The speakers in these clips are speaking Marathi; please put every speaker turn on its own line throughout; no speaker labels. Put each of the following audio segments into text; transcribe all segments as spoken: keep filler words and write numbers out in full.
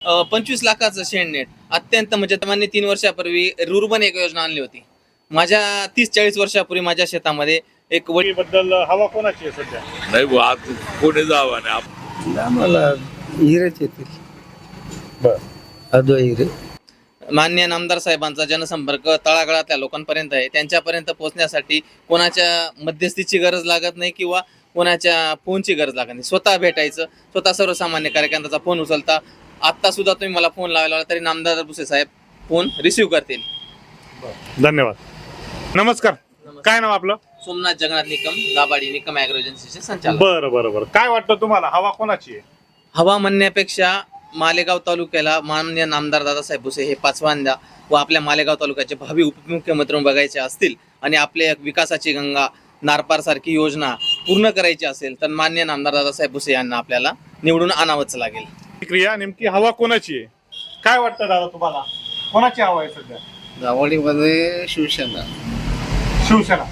अ, पंचवीस लाखाचं शेणनेट अत्यंत म्हणजे त्यांनी तीन वर्षापूर्वी रुर्बन एक योजना आणली होती. माझ्या तीस चाळीस वर्षापूर्वी माझ्या शेतामध्ये एक वडी
बद्दल हवा कोणाची आहे सध्या?
नाही बुवा, आता कोणी जावं नाही आप-
आम्हाला हिरेच येतील.
बर
अद्वै हिरे.
माननीय नामदार साहेबांचा जनसंपर्क तळागाळातल्या लोकांपर्यंत आहे. त्यांच्यापर्यंत पोहोचण्यासाठी कोणाच्या मध्यस्थीची गरज लागत नाही किंवा कोणाच्या फोनची गरज लागत नाही. स्वतः भेटायचं, स्वतः सर्वसामान्य कार्यकर्त्याचा फोन उचलता. आत्ता सुद्धा तुम्ही मला फोन लावला तरी नामदार भुसे साहेब फोन रिसिव्ह करतील.
धन्यवाद. नमस्कार. काय नाव आपलं?
सोमनाथ जगन्नाथ निकम, दाबाडी निकम ॲग्रो एजन्सीचे संचालक.
बरं बरं बरं. काय वाटतं तुम्हाला हवा कोणाची आहे?
हवा म्हणण्यापेक्षा मालेगाव तालुक्याला माननीय नामदार दादासाहेब भुसे हे पाचव्यांदा व आपल्या मालेगाव तालुक्याचे भावी उपमुख्यमंत्री बघायचे असतील आणि आपल्या विकासाची गंगा नारपारसारखी योजना पूर्ण करायची असेल तर माननीय नामदार दादासाहेब भुसे यांना आपल्याला निवडून आणावंच लागेल.
क्रिया नेमकी हवा कोणाची आहे? काय वाटतं दादा तुम्हाला? कोणाची हवा आहे सध्या?
दावडीमध्ये शिवसेना.
शिवसेना.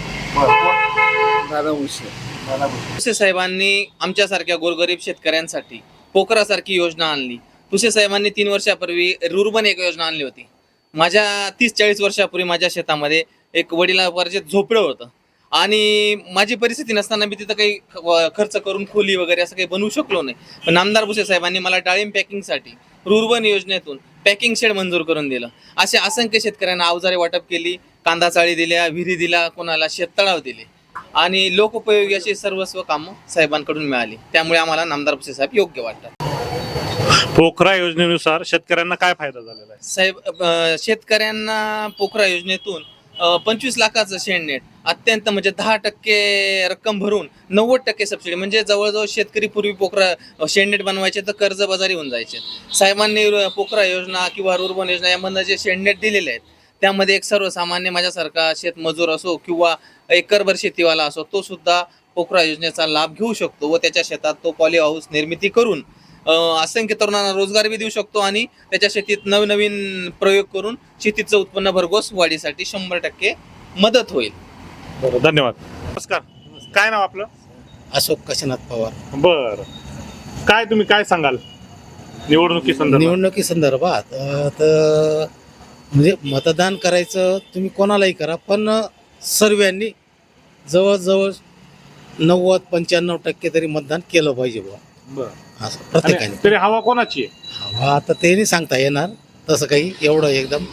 बरं.
दादा भुसे.
दादा भुसे.
भुसे साहेबांनी आमच्यासारख्या गोरगरीब शेतकऱ्यांसाठी पोखरासारखी योजना आणली. भुसे साहेबांनी तीन वर्षापूर्वी रुर्बन एक योजना आणली होती. माझ्या तीस चाळीस वर्षापूर्वी माझ्या शेतामध्ये एक वडिलांवरचे झोपडं होतं आणि माझी परिस्थिती नसताना मी तिथं काही ख- खर्च करून खोली वगैरे असं काही बनवू शकलो नाही. पण नामदार भुसे साहेबांनी मला डाळिंब पॅकिंगसाठी रुर्बन योजनेतून पॅकिंग शेड मंजूर करून दिलं. असे असंख्य शेतकऱ्यांना अवजारे वाटप केली, कांदा चाळी दिल्या, विहिरी दिला, कोणाला शेततळाव दिले आणि लोकोपयोगी अशी सर्वस्व कामं साहेबांकडून मिळाली. त्यामुळे आम्हाला नामदार भुसे साहेब योग्य वाटतात.
पोखरा योजनेनुसार शेतकऱ्यांना काय फायदा झालेला आहे?
साहेब अ, शेतकऱ्यांना पोखरा योजनेतून अ, पंचवीस लाखाचं शेणनेट अत्यंत म्हणजे दहा टक्के रक्कम भरून नव्वद टक्के सबसिडी म्हणजे जवळजवळ शेतकरी पूर्वी पोखरा शेणनेट बनवायचे तर कर्जबाजारी होऊन जायचे. साहेबांनी र- पोखरा योजना किंवा रुर्बन योजना यामधनं जे शेणनेट दिलेले आहेत त्यामध्ये एक सर्वसामान्य माझ्यासारखा शेतमजूर असो किंवा एकरभर शेतीवाला असो तो सुद्धा पोखरा योजनेचा लाभ घेऊ शकतो व त्याच्या शेतात तो पॉली हाऊस निर्मिती करून अ, असंख्य तरुणांना रोजगार बी देऊ शकतो आणि त्याच्या शेतीत नवनवीन प्रयोग करून शेतीचं उत्पन्न भरघोस वाढीसाठी शंभर टक्के मदत होईल.
बरं. धन्यवाद. नमस्कार. काय नाव आपलं?
अशोक काशीनाथ पवार.
बर. काय तुम्ही काय सांगाल निवडणुकी संदर्भात?
निवडणुकी संदर्भात अं, तर म्हणजे मतदान करायचं तुम्ही कोणालाही करा, पण सर्वांनी जवळजवळ नव्वद पंच्याण्णव टक्के तरी मतदान केलं पाहिजे बुवा,
बरं.
असं प्रत्येकाने.
आणि तरी हवा कोणाची आहे?
हवा आता ते नाही सांगता येणार तसं काही एवढं एकदम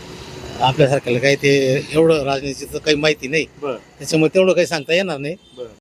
आपल्यासारख्याला काही ते एवढं राजनीतीचं काही माहिती नाही,
बरं
त्याच्यामुळे तेवढं काही सांगता येणार नाही.
बरं.